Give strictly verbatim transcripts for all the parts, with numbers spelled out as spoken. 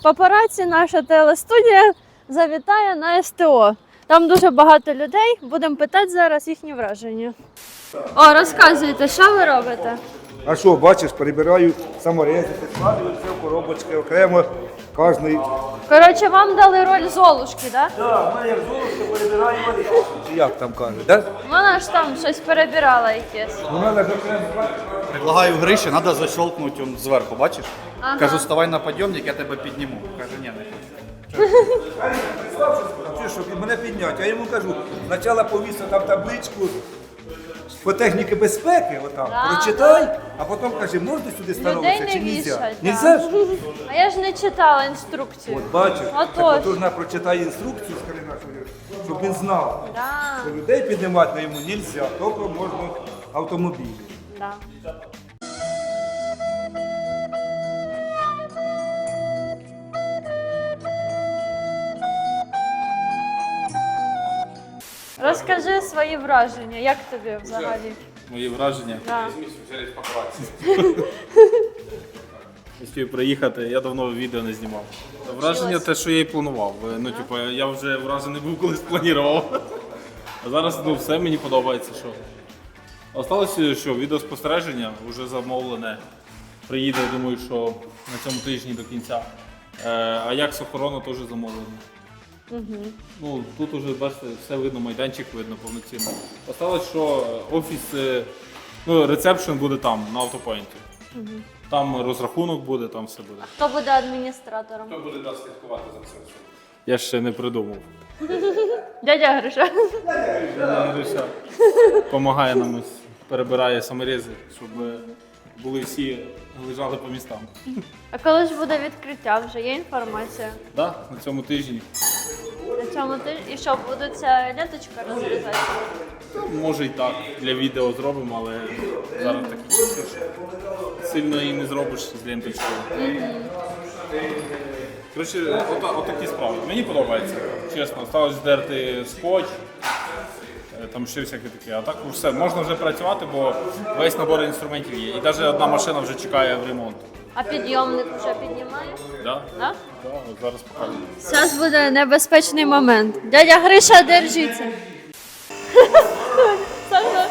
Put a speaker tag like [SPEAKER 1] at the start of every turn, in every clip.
[SPEAKER 1] Папараці, наша телестудія завітає на СТО. Там дуже багато людей, будемо питати зараз їхні враження. О, розказуйте, що ви робите?
[SPEAKER 2] А що, бачиш, перебираю саморези, складую все в коробочки окремо, кожний.
[SPEAKER 1] Коротше, вам дали роль Золушки, так? Да?
[SPEAKER 2] Так, в мене як золушка перебираю варіанти. Чи як там кажуть, так?
[SPEAKER 1] Вона ж там щось перебирала якесь.
[SPEAKER 2] У мене ж окремо.
[SPEAKER 3] Предлагаю Гриші, треба защелкнути он зверху, бачиш?
[SPEAKER 1] Ага.
[SPEAKER 3] Кажу, ставай на підйомник, я тебе підніму. Каже, ні, не хочу.
[SPEAKER 2] Представ, що сказав, чи що, під мене підняти. Я йому кажу, спочатку повісив там табличку по техніці безпеки, отам,
[SPEAKER 1] Да,
[SPEAKER 2] прочитай, а потім каже, можна сюди
[SPEAKER 1] Людей
[SPEAKER 2] становитися
[SPEAKER 1] не
[SPEAKER 2] чи нельзя?
[SPEAKER 1] вішать.
[SPEAKER 2] Нельзя
[SPEAKER 1] да.
[SPEAKER 2] ж?
[SPEAKER 1] А я ж не читала інструкцію.
[SPEAKER 2] От бачиш,
[SPEAKER 1] Отож.
[SPEAKER 2] так от вона прочитає інструкцію, скажи нашому, щоб він знав,
[SPEAKER 1] Да,
[SPEAKER 2] що людей піднімати на йому нельзя, тільки можна автомобілі.
[SPEAKER 1] да. Розкажи свої враження, як тобі взагалі?
[SPEAKER 4] Мої враження.
[SPEAKER 1] Да.
[SPEAKER 4] Хотів приїхати, я давно відео не знімав. Враження те, що я і планував. Ну, типу, я вже вражений був, колись планував. А зараз ну, все мені подобається. Що. Осталося, що відеоспостереження вже замовлене. Приїде, я думаю, що на цьому тижні до кінця. Е, а як з охорони теж замовлено. Угу. Ну, тут вже, бачите, все видно, майданчик видно повноцінно. Осталось, що офіс, е, ну, ресепшн буде там, на автопоінті. Угу. Там розрахунок буде, там все буде.
[SPEAKER 1] Хто буде адміністратором?
[SPEAKER 4] Хто буде нас слідкувати за цим? Я ще не придумав.
[SPEAKER 1] Дядя Гриша.
[SPEAKER 4] Гриша допомагає нам, ось, перебирає саморези, щоб були всі, лежали по містам.
[SPEAKER 1] А коли ж буде відкриття? Вже є інформація?
[SPEAKER 4] Да, на цьому тижні.
[SPEAKER 1] На цьому тижні? І що, буде ця ленточка розрізати?
[SPEAKER 4] Ну, може і так, для відео зробимо, але зараз такі часи, що сильно і не зробиш з ленточкою. Коротше, ота, отакі справи. Мені подобається, чесно. Осталось здерти скотч, е, там ще всяке таке. А так все, можна вже працювати, бо весь набор інструментів є. І навіть одна машина вже чекає в ремонт.
[SPEAKER 1] А підйомник вже піднімає?
[SPEAKER 4] Да?
[SPEAKER 1] Да?
[SPEAKER 4] Да, от зараз покажу.
[SPEAKER 1] Зараз буде небезпечний момент. Дядя Гриша, держіться. Саша.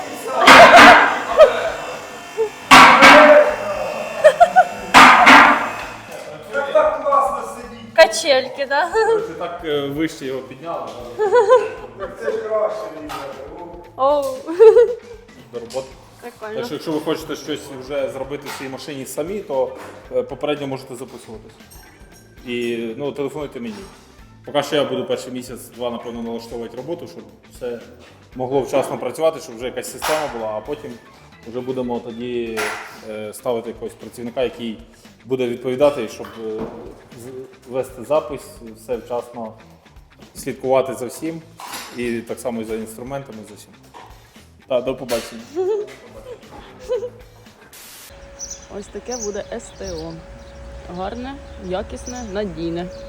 [SPEAKER 2] Так класно сидіть,
[SPEAKER 1] Качельки, да?
[SPEAKER 4] Це так е, вище його підняли
[SPEAKER 2] це ж краще мені.
[SPEAKER 1] Оу.
[SPEAKER 4] до роботи.
[SPEAKER 1] Прикольно.
[SPEAKER 4] Так що, якщо ви хочете щось вже зробити в цій машині самі, то е, попередньо можете записуватись. І ну, телефонуйте мені. Поки що я буду перший місяць-два, напевно, налаштовувати роботу, щоб все могло вчасно працювати, щоб вже якась система була, а потім вже будемо тоді е, ставити якогось працівника, який буде відповідати, щоб е, з- вести запис, все вчасно слідкувати за всім. І так само і за інструментами, за всім. Так, до побачення.
[SPEAKER 5] Ось таке буде СТО. Гарне, якісне, надійне.